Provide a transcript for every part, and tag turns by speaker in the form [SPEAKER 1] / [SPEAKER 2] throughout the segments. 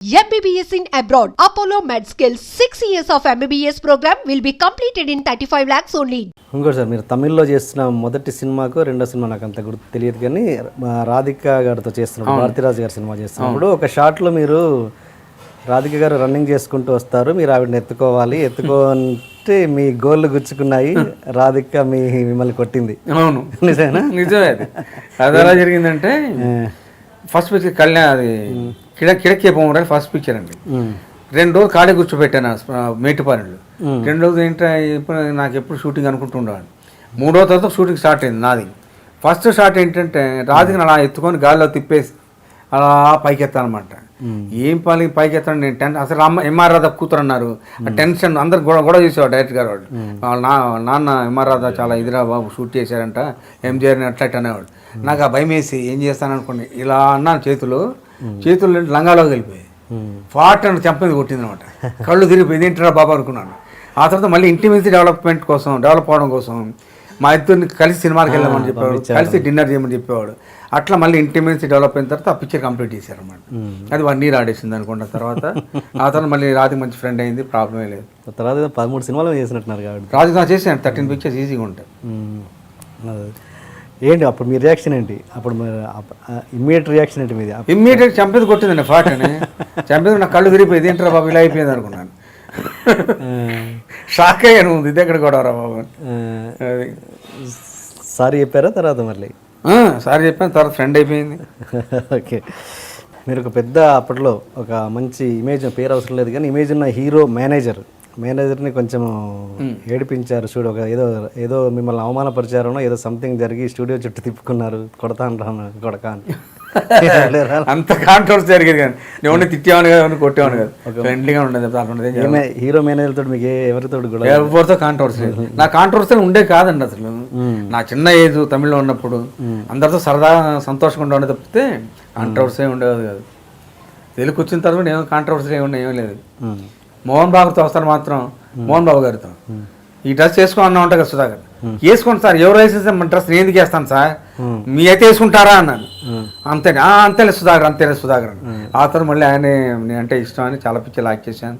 [SPEAKER 1] MBBS in abroad. Apollo MedSkill 6 years of MBBS program will be completed in 35 lakhs only.
[SPEAKER 2] ఇంకోటి sir, మీరు తమిళ్లో చేస్తున్న మొదటి సినిమాకు రెండో సినిమా నాకు అంత గుర్తు తెలియదు, కానీ రాధిక గారితో చేస్తున్నప్పుడు భారతీరాజు గారి సినిమా చేస్తున్నప్పుడు ఒక షాట్లో మీరు రాధిక గారు రన్నింగ్ చేసుకుంటూ వస్తారు, మీరు ఆవిడని ఎత్తుకోవాలి, ఎత్తుకుంటే మీ గోళ్ళు గుచ్చుకున్నాయి, రాధిక మిమ్మల్ని కొట్టింది.
[SPEAKER 3] అవును,
[SPEAKER 2] నిజమేనా?
[SPEAKER 3] నిజమే. అది ఎలా జరిగిందంటే ఫస్ట్ పిక్చర్ కళ్యాణ్, అది కిడకే పోవడానికి ఫస్ట్ పిక్చర్ అండి. 2 రోజులు కాడే కూర్చోబెట్టాను మేటిపాలెంలో. 2 రోజులు ఏంటో ఇప్పుడు నాకు ఎప్పుడు షూటింగ్ అనుకుంటుండేవాడు. 3వ తర్వాత షూటింగ్ స్టార్ట్ అయింది నాది. ఫస్ట్ షాట్ ఏంటంటే రాధికను అలా ఎత్తుకొని గాల్లో తిప్పేసి అలా పైకెత్తానమాట. ఏం పైకి ఎత్తాను నేను అసలు ఎంఆర్ రాధా కూతురు అన్నారు. ఆ టెన్షన్ అందరు గొడవ చేసేవాడు డైరెక్టర్ గారు. వాళ్ళు నాన్న ఎంఆర్ రాధా చాలా ఇదిరా బాబు షూట్ చేశారంట, ఎంజిఆర్ని అట్లా అనేవాడు. నాకు ఆ భయం వేసి ఏం చేస్తాను అనుకోండి, ఇలా అన్నాను, చేతులు లంగాలోకి వెళ్ళిపోయాయి. ఫాట్ అని చెంపది కొట్టింది అనమాట. కళ్ళు తిరిగిపోయింది, ఏంటరా బాబు అనుకున్నాను. ఆ తర్వాత మళ్ళీ ఇంటిమేసి డెవలప్ అవడం కోసం మా ఇద్దరిని కలిసి సినిమాకి వెళ్ళమని చెప్పేవాడు, కలిసి డిన్నర్ చేయమని చెప్పేవాడు. అట్లా మళ్ళీ ఇంటిమేసి డెవలప్ అయిన తర్వాత ఆ పిక్చర్ కంప్లీట్ చేశారన్నమాట. అది 1 year ఆడేసింది అనుకుంటా. ఆ తర్వాత మళ్ళీ రాధిక మంచి ఫ్రెండ్ అయింది, ప్రాబ్లమే లేదు.
[SPEAKER 2] తర్వాత 13 సినిమాలు చేసినట్టున్నారు కాబట్టి
[SPEAKER 3] రాధిక చేశాను 13 pictures ఈజీగా ఉంటాయి.
[SPEAKER 2] ఏంటి అప్పుడు మీ రియాక్షన్ ఏంటి? అప్పుడు ఇమ్మీడియట్ రియాక్షన్ ఏంటి మీది?
[SPEAKER 3] ఇమ్మీడియట్ చంపేది కొట్టిందండి ఫాట్ అని. చంపేది నాకు కళ్ళు తిరిగిపోయింది, ఏంటరా బాబు ఇలా అయిపోయింది అనుకున్నాను. షాక్ అయ్యాను, ఇది ఎక్కడ కూడా రా బాబు. అది
[SPEAKER 2] సారీ చెప్పారా తర్వాత? మళ్ళీ
[SPEAKER 3] సారీ చెప్పాను, తర్వాత ఫ్రెండ్ అయిపోయింది.
[SPEAKER 2] ఓకే, మీరు ఒక పెద్ద అప్పట్లో ఒక మంచి ఇమేజ్, పేరు అవసరం లేదు కానీ ఇమేజ్ ఉన్న హీరో మేనేజర్ని కొంచెం ఏడిపించారు చూడు. ఒక ఏదో మిమ్మల్ని అవమానపరిచారనో ఏదో సంథింగ్ జరిగి స్టూడియో చుట్టూ తిప్పుకున్నారు, కొడక అని.
[SPEAKER 3] అంత కాంట్రవర్సీ జరిగేది కానీ నేను తిట్టేవాను కదా, కొట్టేవాను కదా, ఫ్రెండ్లీగా ఉండేది.
[SPEAKER 2] హీరో మేనేజర్ తోటి మీకు
[SPEAKER 3] ఎవరితో కాంట్రవర్సీ లేదు. నా కాంట్రవర్సీ ఉండే కాదండి అసలు. నా చిన్న ఏజ్ తమిళ్లో ఉన్నప్పుడు అందరితో సరదాగా సంతోషంగా ఉండే తప్పితే కాంట్రవర్సీ ఉండేది కాదు. తెలుగు వచ్చిన తర్వాత ఏమో కాంట్రవర్సీ ఏం లేదు. మోహన్ బాబుతో వస్తాను మాత్రం, మోహన్ బాబు గారితో ఈ డ్రెస్ వేసుకో అన్నా ఉంటా కదా సుధాకర్, వేసుకోండి సార్, ఎవరు వేసేస్తే మన డ్రెస్ నేను ఎందుకు వేస్తాను సార్, మీ అయితే వేసుకుంటారా అన్నాను. అంతేలే సుధాకర్ అని. ఆ తర్వాత మళ్ళీ ఆయన నేనంటే ఇష్టం అని చాలా పిక్చర్లు యాక్ట్ చేశాను.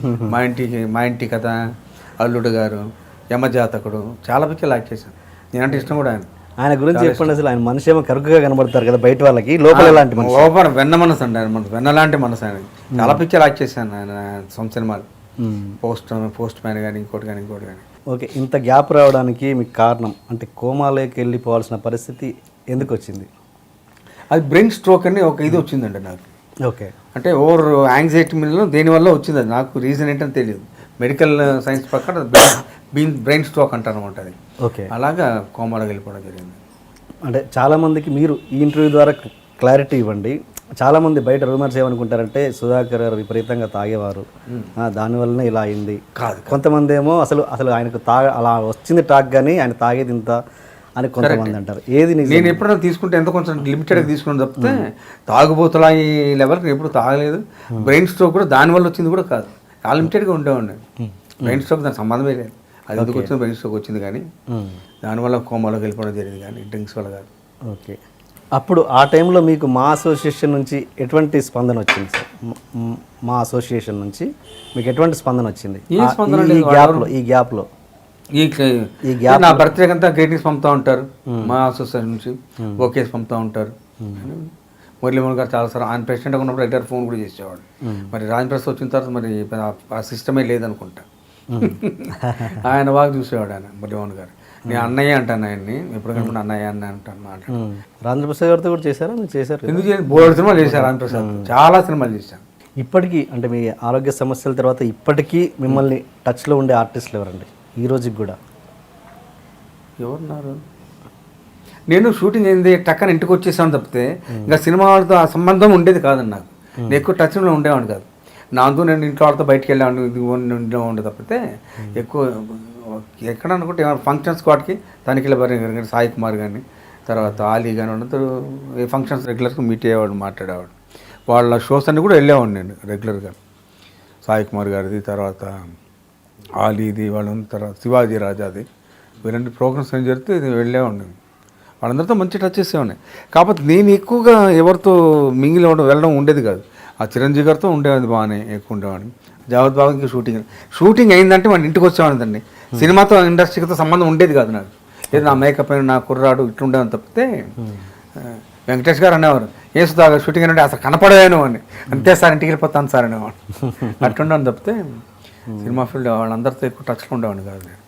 [SPEAKER 3] మా ఇంటి కథ, అల్లుడు గారు, యమజాతకుడు, చాలా పిక్చర్లు యాక్ట్ చేశాను. నేనంటే ఇష్టం కూడా
[SPEAKER 2] ఆయన గురించి చెప్పండి. అసలు ఆయన మనిషి ఏమో కరుకుగా కనబడతారు కదా బయట వాళ్ళకి, లోపల ఎలాంటి మనసు?
[SPEAKER 3] లోపల వెన్న మనసు అండి ఆయన, మనసు వెన్నలాంటి మనసు ఆయన. చాలా పిక్చర్లు యాక్ట్ చేశాను ఆయన సొంత సినిమాలు, పోస్ట్ మ్యాన్ కానీ ఇంకోటి కానీ.
[SPEAKER 2] ఓకే, ఇంత గ్యాప్ రావడానికి మీకు కారణం అంటే కోమాలోకి వెళ్ళిపోవాల్సిన పరిస్థితి ఎందుకు వచ్చింది?
[SPEAKER 3] అది బ్రెయిన్ స్ట్రోక్ అని ఒక ఇది వచ్చిందండి నాకు.
[SPEAKER 2] ఓకే,
[SPEAKER 3] అంటే ఓవర్ యాంగ్జైటీ మీద దేనివల్ల వచ్చింది, అది నాకు రీజన్ ఏంటని తెలియదు. మెడికల్ సైన్స్ ప్రకారం బ్రెయిన్ స్ట్రోక్ అంటారు అనమాట అది.
[SPEAKER 2] ఓకే,
[SPEAKER 3] అలాగా కోమాలోకి వెళ్ళిపోవడం జరిగింది.
[SPEAKER 2] అంటే చాలామందికి మీరు ఈ ఇంటర్వ్యూ ద్వారా క్లారిటీ ఇవ్వండి. చాలామంది బయట రూమర్స్ ఏమనుకుంటారంటే సుధాకర్ గారు విపరీతంగా తాగేవారు, దానివల్లనే ఇలా అయింది.
[SPEAKER 3] కాదు,
[SPEAKER 2] కొంతమంది ఏమో అసలు ఆయనకు అలా వచ్చింది టాక్ కానీ ఆయన తాగేది ఇంత అని కొంతమంది అంటారు. ఏది
[SPEAKER 3] నేను ఎప్పుడైనా తీసుకుంటే ఎంత కొంచెం లిమిటెడ్గా తీసుకుని తప్పితే తాగుబోతులా ఈ లెవెల్కి ఎప్పుడు తాగలేదు. బ్రెయిన్ స్ట్రోక్ కూడా దానివల్ల వచ్చింది కూడా కాదు, చాలా లిమిటెడ్గా ఉండేవాడిని. బ్రెయిన్ స్ట్రోక్ దానికి సంబంధమే లేదు. అది ఎందుకు వచ్చింది, బ్రెయిన్ స్ట్రోక్ వచ్చింది కానీ దానివల్ల కోమాలోకి వెళ్ళిపోవడం జరిగింది కానీ డ్రింక్స్ వల్ల కాదు.
[SPEAKER 2] ఓకే, అప్పుడు ఆ టైంలో మీకు మా అసోసియేషన్ నుంచి ఎటువంటి స్పందన వచ్చింది సార్? మా అసోసియేషన్ నుంచి మీకు ఎటువంటి స్పందన వచ్చింది ఈ గ్యాప్లో?
[SPEAKER 3] నా బర్త్డే అంతా గ్రీటింగ్స్ పంపుతూ ఉంటారు మా అసోసియేషన్ నుంచి, ఓకేస్ పంపుతూ ఉంటారు. మురళీమోహన్ గారు చాలాసార్లు ఆయన ప్రెసిడెంట్గా ఉన్నప్పుడు రెగ్యులర్ ఫోన్ కూడా చేసేవాడు. మరి రాజప్రసాద్ వచ్చిన తర్వాత మరి ఆ సిస్టమే లేదనుకుంటా. ఆయన బాగా చూసేవాడు ఆయన మురళీమోహన్ గారు. నేను అన్నయ్య అంటాను ఆయన్ని, ఎప్పుడు కనుక అన్నయ్య అని అంటాను మాట.
[SPEAKER 2] రాజప్రసాద్ గారితో కూడా చేశారా? మీరు చేశారు?
[SPEAKER 3] ఎందుకు బోర్డు సినిమాలు చేశారు రాజప్రసాద్, చాలా సినిమాలు చేశాను.
[SPEAKER 2] ఇప్పటికీ అంటే మీ ఆరోగ్య సమస్యల తర్వాత ఇప్పటికీ మిమ్మల్ని టచ్లో ఉండే ఆర్టిస్టులు ఎవరండి ఈ రోజుకి కూడా?
[SPEAKER 3] ఎవరున్నారు? నేను షూటింగ్ అయింది టక్కన ఇంటికి వచ్చేసాను తప్పితే ఇంకా సినిమా వాళ్ళతో ఆ సంబంధం ఉండేది కాదండి నాకు. నేను ఎక్కువ టచ్లో ఉండేవాడిని కాదు. నాతో నేను ఇంట్లో వాళ్ళతో బయటికి వెళ్ళాను, ఇది ఉండేది తప్పితే ఎక్కువ ఎక్కడ అనుకుంటే ఫంక్షన్స్ వాటికి తనిఖీల భరణి గారు కానీ, సాయి కుమార్ కానీ, తర్వాత ఆలీ కానీ అందరూ ఏ ఫంక్షన్స్ రెగ్యులర్గా మీట్ అయ్యేవాడు, మాట్లాడేవాడు. వాళ్ళ షోస్ అన్నీ కూడా వెళ్ళేవాడిని నేను రెగ్యులర్గా. సాయి కుమార్ గారిది, తర్వాత ఆలీది, వాళ్ళ తర్వాత శివాజీ రాజాది, వీళ్ళంటి ప్రోగ్రామ్స్ ఏం జరిగితే ఇది వెళ్ళేవాడిని. వాళ్ళందరితో మంచి టచ్ చేసేవాడిని. కాకపోతే నేను ఎక్కువగా ఎవరితో మింగిలి వెళ్ళడం ఉండేది కాదు. ఆ చిరంజీవి గారితో ఉండేది బాగానే ఎక్కువ ఉండేవాడిని. జావద్ బాబు ఇంకా షూటింగ్ అయిందంటే మన ఇంటికి వచ్చేవాడిదండి. సినిమాతో ఇండస్ట్రీతో సంబంధం ఉండేది కాదు నాకు. ఏదో నా మేకప్ అయిన నా కుర్రాడు ఇట్లుండేవని తప్పితే వెంకటేష్ గారు అనేవారు ఏ సుధాగా షూటింగ్ అంటే అసలు కనపడలేను అని. అంతే సార్ ఇంటికి వెళ్ళిపోతాను సార్ అనేవాడు. అట్లుండని తప్పితే సినిమా ఫీల్డ్ వాళ్ళందరితో ఎక్కువ టచ్లో ఉండేవాడిని కాదు నేను.